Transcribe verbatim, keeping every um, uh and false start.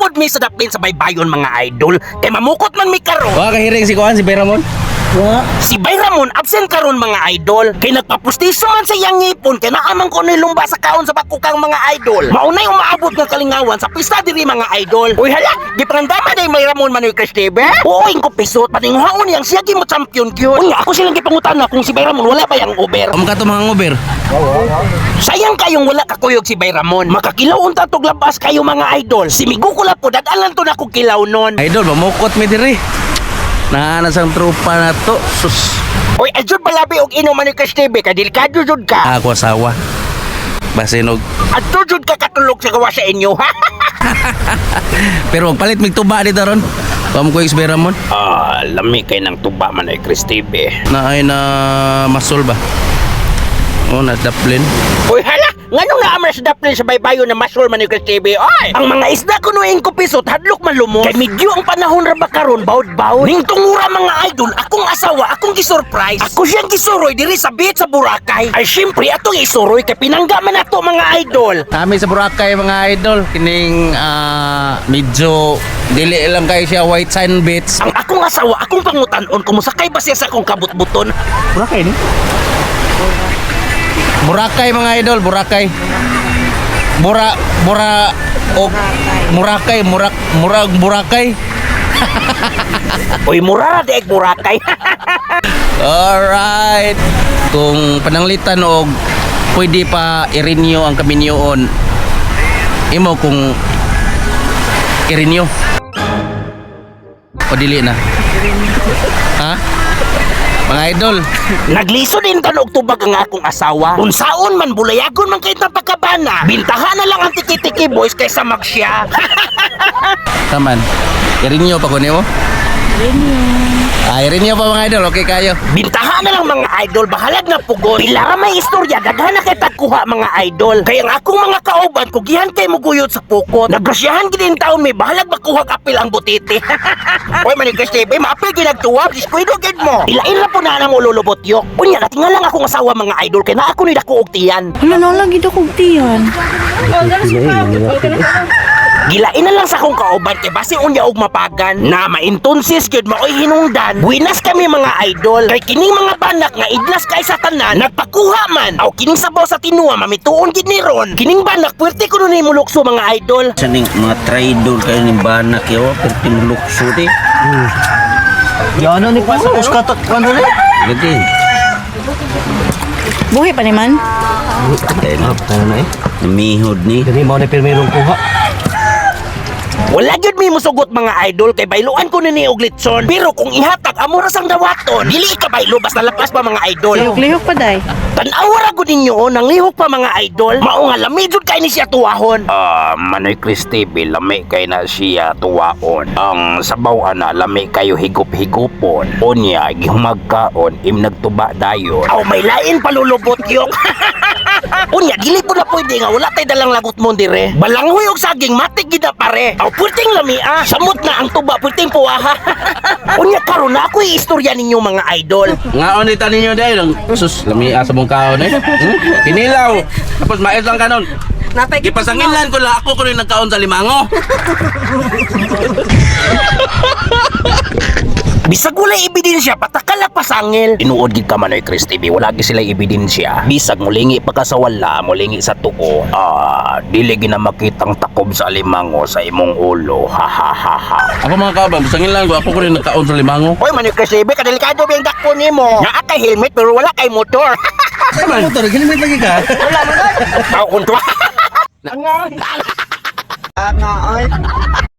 pod mi sa daplin sa baybayon mga idol. Kay mamukot man mi karon. Wa kahiring si Kuan si Bayramon. Si Bayramon absent karon mga idol. Kay nagpapustiso man sa iyang ngipon kay naamang ko ni lumba sa kaon sa bakukang mga idol. Maunay umaabot ng kalingawan sa pista diri mga idol. Uy hala, di prandama day Bayramon Manoy Cristebe. Uy ko pisot patinghaon yang siya gi mo champion gyud. Unya ako silang gipangutana kung si Bayramon wala ba yang Uber. Amo ka to mga Uber. Sayang kayong wala kakuyog si Bayramon. Makakilaw unta tog labas kayo mga idol. Si Migukula po dadalan to na kong kilaw nun. Idol, mamukot mi diri. Naana sang trupa na to. Sus. Uy, adjud balabi og inom Manoy Cristebe kay delikado jud ka. Ako asawa. Basinog. Adto jud ka katulog sa gawa sa inyo. Pero palit mig tuba dito ron. Pam ko ex Bayramon. Ah, lami kay nang tuba Manoy Cristebe. Na ay na masol ba? Oh, na daplin. Uy, hala! Nganong naamar sa daplin sa baybayo na masol Manoy Cristebe? Oy! Ang mga isda kunuin ko pisot, hadlok malumos. Kay medyo ang panahon ra ba karon bawd-bawd. Ning tungura mga idol, akong asawa, akong gisurprise. Ako siyang gisuroy diri sa beach sa Boracay. Ay syempre atong isuroy kay pinangga man ato mga idol. Kami sa Boracay mga idol, kining ah, medyo dili lang kay siya white sand beach. Ang akong asawa, akong pangutan-on kumusakay ba siya sa akong kabutbuton? Boracay ni? Boracay mga idol, Boracay. Bora Bora o Boracay, Murak Murag Boracay. Uy, mura de Boracay. Alright. Kung pananglitan og pwede pa i-renew ang kaminyoon, imo kung i-renew o dili na. Ha? Mga idol, Nagliso din tanog tubag ang akong asawa. Unsaon man bulayagon man kay napakabana. Bintahan na lang ang tiki-tiki boys kaysa magsya. taman. I-renew pa ko nimo? Ay, renew pa mga idol, okay kayo. Bintahan na lang mga idol, bahalag na pugon. Pila ra may istorya, daghan na kay tagkuha mga idol. Kaya ang akong mga kauban, kugihan kay muguyod sa pukot. Nagrasyahan gid in taon may bahalag makuha kapil ang butiti. Oy Manoy Cristebe, maapil ginagtuwag, diskwento gid mo. Ilain ra po na nang ululubot yok. Unya natinga lang akong asawa mga idol kay na ako ni dako og tiyan. Wala na lang gid akong tiyan. Gilain na lang sa akong kauban kay basi unya og mapagan na maintonsis gyud maoy hinungdan. Buinas kami mga idol kay kining mga banak nga idlas kay sa tanan nagpakuha man. Aw kining sabaw sa tinuwa mamituon gid ni ron. Kining banak puwerte kuno ni mulukso mga idol. Saning mga traidor kayo ni banak yo, perti mulukso di. Yan ni pa sa uskatot ano ni? Lagi. Buhay pa naman. Patay na. Ano na eh? Namihod ni. Dili mo na pirmirong kuha. Wala gyud mi musugot mga idol kay bayluan ko ni og litson. Pero kung ihatag amo ra sang dawaton, dili ka baylo basta lapas pa mga idol. Lihok-lihok pa day. Tan-aw ra gud ninyo oh, nang lihok pa mga idol. Mao nga lami jud kay ni siya tuwahon. Ah, Manoy Cristebe lami kay na siya tuwaon. Ang sabaw ana lami kayo higop-higopon. Unya gihumagkaon im nagtuba dayon. Aw may lain palulubot yok. Unya dili po na pwede nga wala tay dalang lagot mo dire. Balanghoy og saging matik gid na pare. Aw purting lami ah. Samot na ang tuba purting puwaha. Unya karon na ako istorya ninyo mga idol. Ngaon ni tanin niyo dai lang. Sus, lami asa mong kaon eh. Hmm? Kinilaw. Tapos mais lang kanon. Gipasanginlan ko la ako ko rin nagkaon sa limango. Bisag wala ebidensya, patakala pa sangil. Tinuod gid ka Manoy Cristebe, wala gid sila ebidensya. Bisag mulingi pa ka sa wala, mulingi sa tuo. Ah, dili gid na makitang takob sa alimango sa imong ulo. Ha ha ha ha. Ako mga kaban, sanginlan ko ako ko rin nagkaon sa limango. Hoy Manoy Cristebe, kadelikado ba yung dakpo nimo? Naa kay helmet pero wala kay motor. Motor, gilimit lagi ka. Tao kunto.